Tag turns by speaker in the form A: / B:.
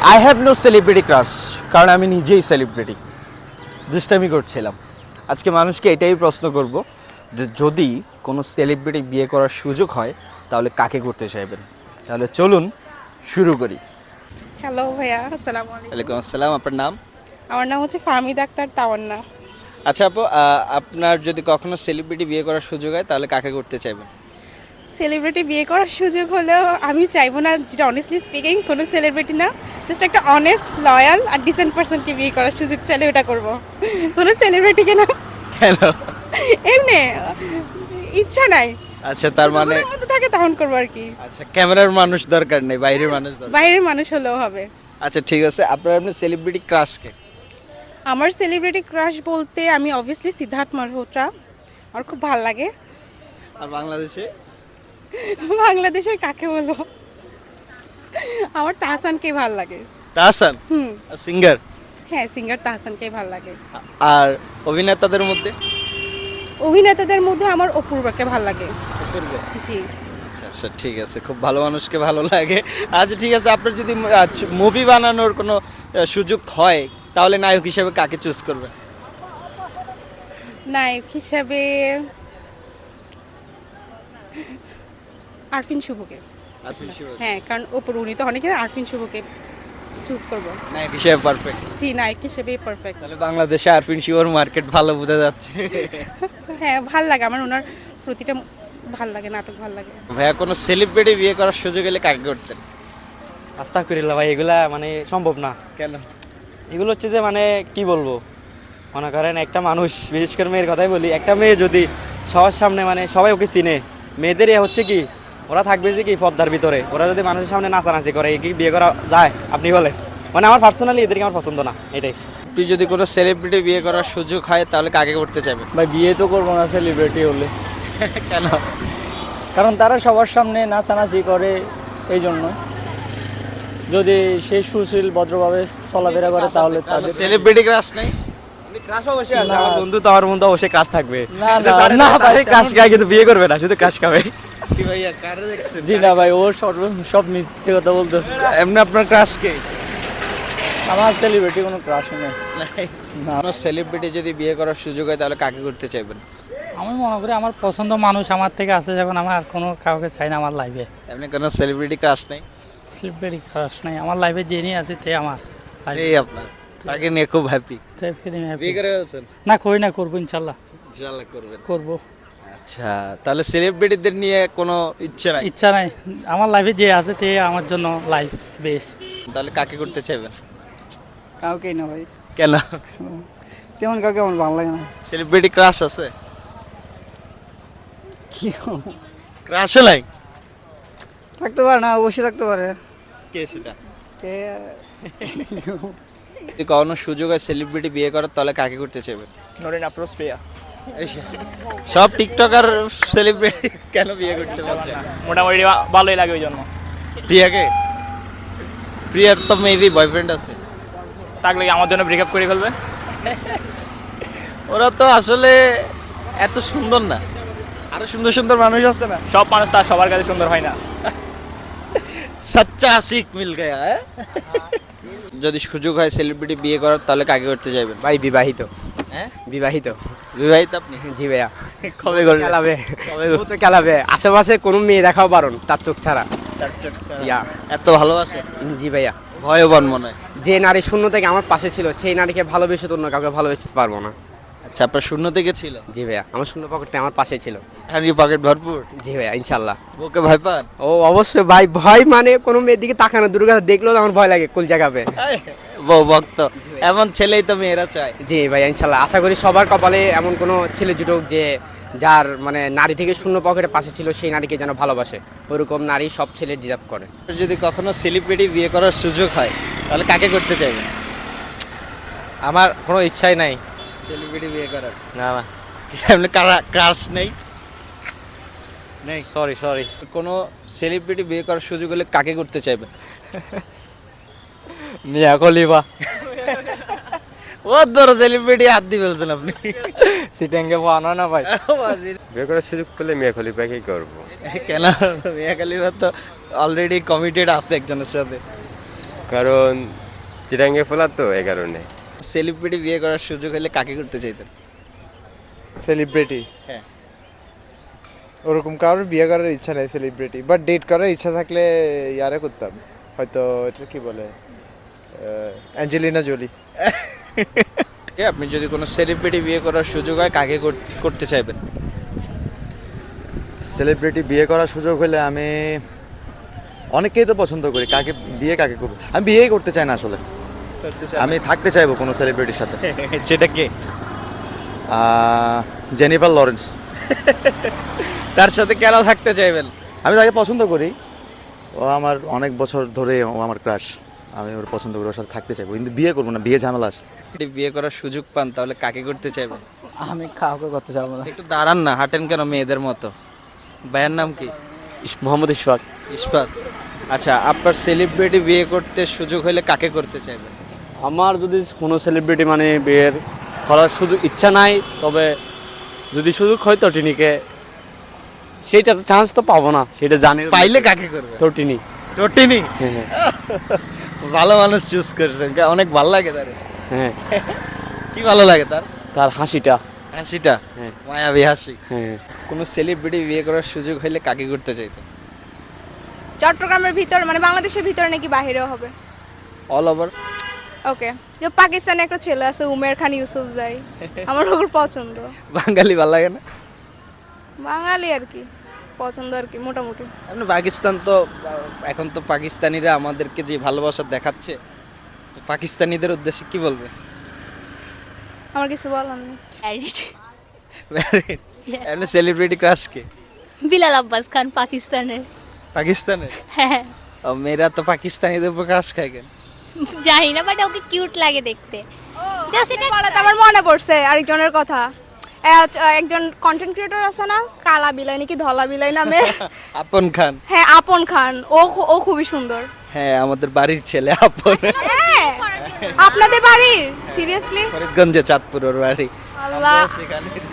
A: I have no celebrity crush, কারণ আমি নিজেই সেলিব্রিটি। দুষ্টামি করছিলাম। আজকে মানুষকে এটাই প্রশ্ন করব যে যদি কোনো সেলিব্রিটি বিয়ে করার সুযোগ হয় তাহলে কাকে করতে চাইবেন। তাহলে চলুন শুরু করি।
B: হ্যালো ভাইয়া, আসসালামু আলাইকুম।
A: ওয়ালাইকুম আসসালাম। আপনার নাম?
B: আমার নাম হচ্ছে ফাহমিদা আক্তার তাওয়ান্না।
A: আচ্ছা আপু, আপনার যদি কখনো সেলিব্রিটি বিয়ে করার সুযোগ হয় তাহলে কাকে করতে চাইবেন?
B: সেলিব্রিটি বিয়ে করার সুযোগ হলেও আমি চাইবো না, যেটা অনেস্টলি স্পিকিং, কোনো সেলিব্রিটি না, জাস্ট একটা অনেস্ট, লয়াল আর ডিসেন্ট পার্সনকে বিয়ে করার সুযোগ চাইলে ওটা করবো, কোনো সেলিব্রিটিকে না।
A: কেন?
B: এমনি ইচ্ছা নাই।
A: আচ্ছা, তার মানে
B: মনের মধ্যে থাকে তখন করবো আর কি।
A: আচ্ছা, ক্যামেরার মানুষ দরকার নেই, বাইরের মানুষ দরকার।
B: বাইরের মানুষ হলেও হবে।
A: আচ্ছা ঠিক আছে, আপনার সেলিব্রিটি ক্রাশকে?
B: আমার সেলিব্রিটি ক্রাশ বলতে আমি অবভিয়াসলি সিদ্ধার্থ মালহোত্রা, আমার খুব ভালো লাগে।
A: আর বাংলাদেশে?
B: বাংলাদেশের কাকে বলো, আমার তাহসানকে ভালো লাগে।
A: তাহসান? সিঙ্গার?
B: হ্যাঁ, সিঙ্গার তাহসানকেই ভালো লাগে।
A: আর অভিনেতাদের মধ্যে?
B: অভিনেতাদের মধ্যে আমার অপূর্বাকে ভালো লাগে।
A: অপূর্ব?
B: জি।
A: আচ্ছা ঠিক আছে, খুব ভালো মানুষকে ভালো লাগে। আচ্ছা ঠিক আছে, আপনার যদি মুভি বানানোর কোনো সুযোগ হয় তাহলে নায়ক হিসেবে কাকে চুজ করবেন?
B: নায়ক হিসাবে আরফিন শুভকে। হ্যাঁ, কারণ অপুর উনি তো অনেকে, আরফিন শুভকে চুজ করব
A: নায়ক হিসেবে পারফেক্ট।
B: জি, নায়ক হিসেবে পারফেক্ট।
A: তাহলে বাংলাদেশে আরফিন শিওর মার্কেট ভালো বোঝা যাচ্ছে।
B: হ্যাঁ, ভাল লাগে আমার, ওনার প্রতিটা ভাল লাগে, নাটক ভাল লাগে।
A: ভাইয়া, কোনো সেলিব্রিটি বিয়ে করার সুযোগ এলে কাকে করতেন?
C: আস্তাগফিরুল্লাহ ভাই, এগুলা মানে সম্ভব না।
A: কেন?
C: এগুলো হচ্ছে যে মানে কি বলবো, মনে করেন একটা মানুষ, বিশেষ করে মেয়ের কথাই বলি, একটা মেয়ে যদি সবার সামনে মানে সবাই ওকে চিনে, মেয়েদের হচ্ছে কি ওরা থাকবে যে কি পর্দার ভিতরে, ওরা যদি মানুষের সামনে নাচানাচি করে, কি বিয়ে করা যায় আপনি বলে? মানে আমার পার্সোনালি এদেরকে আমার পছন্দ না, এটাই।
A: আপনি যদি কোনো সেলিব্রিটি বিয়ে করার সুযোগ হয় তাহলে কাকে করতে চাইবেন?
D: ভাই বিয়ে তো করবো না সেলিব্রিটি হলে,
A: কেন?
D: কারণ তারা সবার সামনে নাচানাচি করে, এই জন্য। যদি সে সুশীল ভদ্রভাবে চলাফেরা করে তাহলে তাদের
A: সেলিব্রিটি ক্রাশ নাই?
C: ক্রাশ অবশ্যই আছে,
D: না।
C: আমার বন্ধু তো আমার বন্ধু অবশ্যই ক্রাশ থাকবে।
D: না, না, না ভাই,
C: ক্রাশ খায় কিন্তু বিয়ে করবে না, শুধু ক্রাশ খাবে।
A: কি ভাইয়া, কারে দেখছেন?
D: জি না ভাই, ও সব মিথ্যে কথা বলতেছে।
A: এমনি আপনার ক্রাশ কে?
D: আমার সেলিব্রিটি কোনো ক্রাশ নেই। না।
A: কোনো সেলিব্রিটি যদি বিয়ে করার সুযোগ হয় তাহলে কাকে করতে চাইবেন?
E: আমি মনে করি আমার পছন্দ মানুষ আমার থেকে আছে, যখন আমার আর কোনো কাউকে চাই না আমার লাইফে।
A: এমনি কোনো সেলিব্রিটি ক্রাশ নাই?
E: সেলিব্রিটি ক্রাশ নাই আমার লাইফে, যে নিয়ে আছে তে আমার
A: এই আপনার তাকে নিয়ে খুব হ্যাপি? বিয়ে করে ফেলছেন?
E: না, করি না, করবো ইনশাল্লাহ,
A: ইনশাআল্লাহ করবেন।
E: করবো।
A: আচ্ছা, তাহলে সেলিব্রিটিদের নিয়ে কোনো ইচ্ছে নাই?
E: ইচ্ছা নাই, আমার লাইফে যে আছে তে আমার জন্য লাইফ বেস্ট।
A: তাহলে কাকে করতে চাইবেন?
D: কাউকেই না ভাই,
A: কেন?
D: তেমন কাউকে আমার ভালো লাগে না।
A: সেলিব্রিটি ক্রাশ আছে?
D: কি
A: ক্রাশও নাই?
D: থাকতে পারে না, অবশ্যই থাকতে পারে।
A: কে সেটা?
D: কে
A: যদি কখনো সুযোগ হয় সেলিব্রিটি বিয়ে করার তাহলে কাকে করতে চাইবেন?
C: নরেন আপ্রোচ প্রিয়া,
A: সব টিকটকার সেলিব্রিটি কেন বিয়ে করতে পারছে?
C: মোটামুটি ভালোই লাগে ওই জন্য।
A: প্রিয়াকে? প্রিয়ার তো মেবি বয়ফ্রেন্ড আছে।
C: থাকলে আমার জন্য ব্রেকআপ করে ফেলবে।
A: ওরা তো আসলে এত সুন্দর না, আরো সুন্দর সুন্দর মানুষ আছে না।
C: সব মানুষ তার সবার কাছে সুন্দর হয় না।
A: সচ্চা আশিক মিল গয়া। যদি সুযোগ হয় সেলিব্রিটি বিয়ে করার তাহলে কাকে করতে চাইবেন?
F: ভাই বিবাহিত।
A: হ্যাঁ,
F: বিবাহিত।
A: বিবাহিত আপনি?
F: জি ভাইয়া।
A: কবে করলেন?
F: খেলাবে,
A: কবে
F: ও তো খেলাবে, আশেপাশে কোনো মেয়ে দেখাও বারণ তার চোখ ছাড়া। ইয়া।
A: এত ভালোবাসে?
F: জি ভাইয়া।
A: ভয়বান মনে হয়।
F: যে নারী শূন্য থেকে আমার পাশে ছিল, সেই নারীকে ভালোবেসে তো অন্য কাউকে ভালোবেসতে পারবো না।
A: আচ্ছা, আপনার শূন্য থেকে ছিল?
F: জি ভাইয়া, আমার শূন্য পকেটে আমার পাশে ছিল।
A: এখন কি পকেট ভরপুর?
F: জি ভাইয়া, ইনশাল্লাহ।
A: বুকে ভয় পান?
F: ও অবশ্যই ভাই, ভয় মানে কোনো মেয়ের দিকে তাকানো, দুর্গা দেখলেও আমার ভয় লাগে, কুল জায়গাবে।
A: বউ ভক্ত, এমন ছেলেই তো মেয়েরা চায়।
F: জি ভাইয়া, ইনশাল্লাহ। আশা করি সবার কপালে এমন কোনো ছেলে জুটুক যে যার মানে নারী থেকে শূন্য পকেটে পাশে ছিল, সেই নারীকে যেন ভালোবাসে। ওরকম নারী সব ছেলে ডিজার্ভ করে।
A: যদি কখনো সেলিব্রিটি বিয়ে করার সুযোগ হয় তাহলে কাকে করতে চাইবেন?
C: আমার কোনো ইচ্ছাই নাই।
A: সেলিব্রিটি বিয়ে করার?
C: না না,
A: এমনি ক্রাশ নেই? নেই?
C: সরি।
A: কোনো সেলিব্রিটি বিয়ে করার সুযোগ হলে কাকে করতে চাইবেন?
C: মিয়া খলিফা।
A: ও ধরো সেলিব্রিটি হাত দিয়ে ফেলছেন আপনি।
C: সিটেঙ্গে পাওয়া না ভাই।
G: বিয়ে করার সুযোগ পেলে মিয়া খলিফাকেই করবো।
A: কেন? মিয়া খলিফা তো অলরেডি কমিটেড আছে একজনের সাথে।
G: কারণ চিরাঙ্গে ফেলা তো এই কারণে।
A: সেলিব্রিটি বিয়ে করার সুযোগ হলে কাকে করতে চাইতেন?
H: সেলিব্রিটি
A: হ্যাঁ।
H: ওরকম কারোর বিয়ে করার ইচ্ছা নেই সেলিব্রিটি, বাট ডেট করার ইচ্ছা থাকলে ইয়ারে করতাম, হয়তো এটা কি বলে অ্যাঞ্জেলিনা জোলি।
A: আপনি যদি কোনো সেলিব্রিটি বিয়ে করার সুযোগ হয় কাকে করতে চাইবেন?
I: সেলিব্রিটি বিয়ে করার সুযোগ হলে আমি অনেককেই তো পছন্দ করি, কাকে করবো, আমি বিয়েই করতে চাই না আসলে, আমি থাকতে চাইবো কোনো সেলিব্রিটির সাথে।
A: সেটা কে?
I: Jennifer Lawrence.
A: তার সাথে কেন থাকতে চাইবেন?
I: আমি তাকে পছন্দ করি, ও আমার অনেক বছর ধরে ও আমার ক্রাশ, আমি ওর পছন্দ করি, ওর সাথে থাকতে চাইবো, কিন্তু বিয়ে করবো না, বিয়ে ঝামেলা আছে।
A: যদি বিয়ে করার সুযোগ পান তাহলে কাকে করতে চাইবেন?
D: আমি কাউকে করতে চাবো না।
A: একটু দাঁড়ান না, হাঁটেন কেন মেয়েদের মতো? ভাইয়ের নাম কি?
C: মোহাম্মদ ইশফাক।
A: ইস্পাত। আচ্ছা, আপনার সেলিব্রিটি বিয়ে করতে সুযোগ হলে কাকে করতে চাইবেন?
C: আমার যদি কোনো সেলিব্রিটি মানে বিয়ের করার সুযোগ ইচ্ছা নাই, তবে যদি সুযোগ হয় তো টিনিকে, সেইটা চান্স তো পাবো না, সেটা জানি।
A: পাইলে কাকে করবে?
C: তো টিনি।
A: টোটিনি।
C: হ্যাঁ
A: ভালো মানুষ চুজ করেছেন, অনেক ভালো লাগে তার।
C: হ্যাঁ,
A: কি ভালো লাগে তার?
C: তার হাসিটা।
A: হাসিটা
C: হ্যাঁ।
A: মায়াবী হাসি।
C: হ্যাঁ,
A: কোনো সেলিব্রিটি বিয়ে করার সুযোগ হলে কাকে করতে চাইতো?
B: চট্টগ্রামের ভিতর মানে বাংলাদেশের ভিতরে নাকি বাহিরেও হবে?
A: All over.
B: ওকে, যে পাকিস্তানে একটা ছেলে আছে উমের খান ইউসুফজাই, আমার ওর পছন্দ।
A: বাঙালি ভালো লাগে না?
B: বাঙালি আর কি পছন্দ আর কি মোটামুটি।
A: আপনি পাকিস্তান তো এখন তো পাকিস্তানিরা আমাদেরকে যে ভালোবাসা দেখাচ্ছে, তো পাকিস্তানিদের উদ্দেশ্যে কি বলবে?
B: আমার কিছু বলার নেই।
A: এমনি সেলিব্রিটি ক্রাশ কে?
J: বিলাল আব্বাস খান পাকিস্তানের।
A: পাকিস্তানের?
J: হ্যাঁ,
A: ও, মেয়েরা তো পাকিস্তানিদের উপর ক্রাশ খায় কেন?
J: জানি না, বাট ওকে কিউট লাগে দেখতে। জাস্ট এটা
B: বলাতে আমার মনে পড়ছে আরেকজনের কথা। একজন কন্টেন্ট ক্রিয়েটর আছে না, কালা বিলাই নাকি ধলা বিলাই নামে?
A: আপন খান।
B: হ্যাঁ, আপন খান। ও খুবই সুন্দর।
A: হ্যাঁ, আমাদের বাড়ির ছেলে আপন।
B: আপনাদের বাড়ির? সিরিয়াসলি?
A: ফরিদগঞ্জে চাঁদপুর ওর বাড়ি।
B: আল্লাহ,
A: সেখানে